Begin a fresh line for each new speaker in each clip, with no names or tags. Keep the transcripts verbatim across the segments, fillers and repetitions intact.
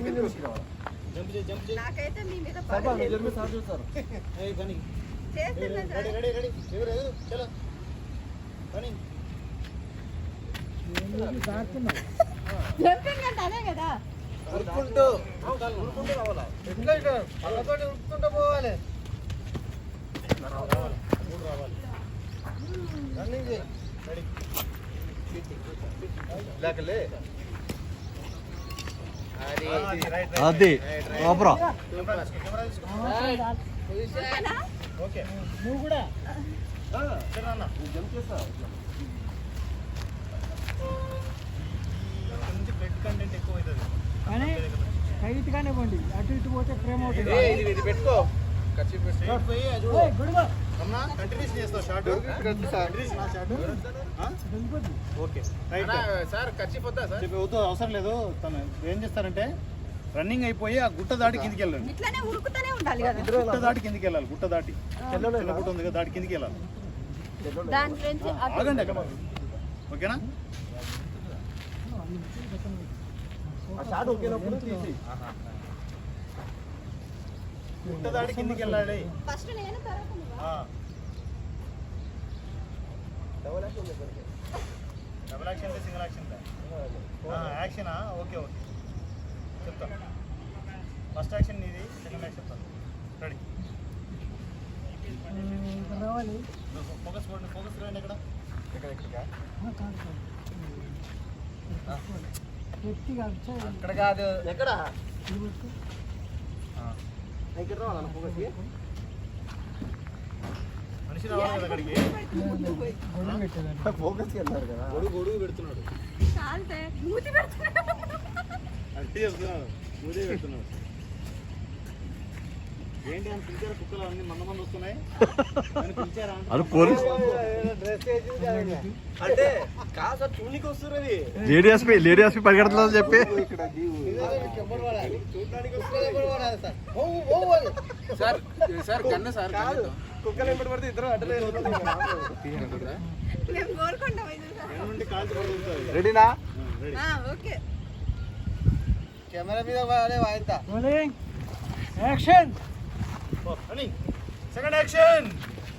నాకైతే మీ మీద జంపింగ్ అంటే అదే కదా
ఉరుకుంటూ ఉరుకుంటూ రావాలా ఎట్లా ఇట్లా పళ్ళతోటి ఉరుకుంటూ పోవాలి మూడు రావాలి రన్నింగ్ చేయి రెడీ ఇలాకలే
అది ఓబ్రో
ఓకే నువ్వు కూడా అన్న జంప్ చేస్తా కొంచెం బ్లడ్ కంటెంట్ ఎక్కువ అవుతుంది
కానీ టైట్ గానే పోండి అటు ఇటు పోతే ఫ్రేమ్ అవుతుంది
ఇది ఇది పెట్టుకో కర్చీఫ్ పెట్టి పోయి అది చూడు అన్నా కంటిన్యూస్ చేస్తావు షార్ట్ కంటిన్యూస్ నా short okay right sir kerchief వద్దా సార్ చెప్పి వద్దు అవసరం లేదు తను ఏం చేస్తారంటే రన్నింగ్ అయిపోయి ఆ గుట్ట దాటి కిందికి వెళ్ళాలి
ఇట్లానే ఉరుకుతూనే ఉండాలి కదా
గుట్ట దాటి కిందికి వెళ్ళాలి గుట్ట దాటి చిన్న గుట్ట ఉంది కదా దాటి కిందికి వెళ్ళాలి
దాని నుంచి
ఆగండి అక్కడ ఓకేనా షాట్ ఓకేనప్పుడు తీసి గుట్ట దాటి కిందికి వెళ్ళాలి
ఫస్ట్ నేను తర్వాత నువ్వు
double action double action single action యాక్షనా ఓకే ఓకే చెప్తాను ఫస్ట్ యాక్షన్ నీది సెకండ్ యాక్షన్ చెప్తాను రెడీ
రావాలి
ఫోకస్ పోండి ఫోకస్ రండి ఎక్కడ ఎక్కడ ఎక్కడ అక్కడ కాదు ఎక్కడ ఇక్కడ రావాలన్న ఫోకస్ మనిషి రావాలి కదా అక్కడికి ఫోకస్ వెళ్ళారు కదా గొడుగు గొడుగు పెడుతున్నాడు
మూతి పెడుతున్నాడు
అంటే చెప్తున్నాడు మూతి పెడుతున్నాడు ఏంటి అని పిలిచారు కుక్కలు అన్ని మంద మంది వస్తున్నాయి
అది పోలీస్
అంటే కాదు సార్ చూనికి వస్తున్నది
లేడీ ఎస్పీ లేడీ ఎస్పీ పరిగెడుతుందని చెప్పి
సార్ సార్ కన్నా సార్ కాదు కుక్కలు ఎంబడి పడితే ఇద్దరు అడ్డలేదు
మేము కోరుకుంటాం
రెడీనా
ఓకే
కెమెరా మీద వాయిద్దా
action
second action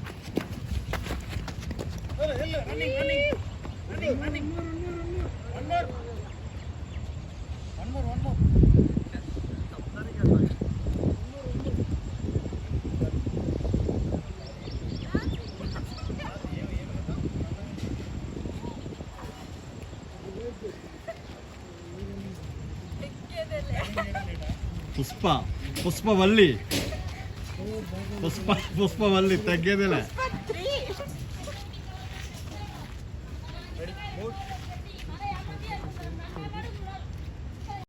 running running running running one more one more one more
Pushpa Pushpavalli Pushpa Pushpavalli తగ్గేదేలే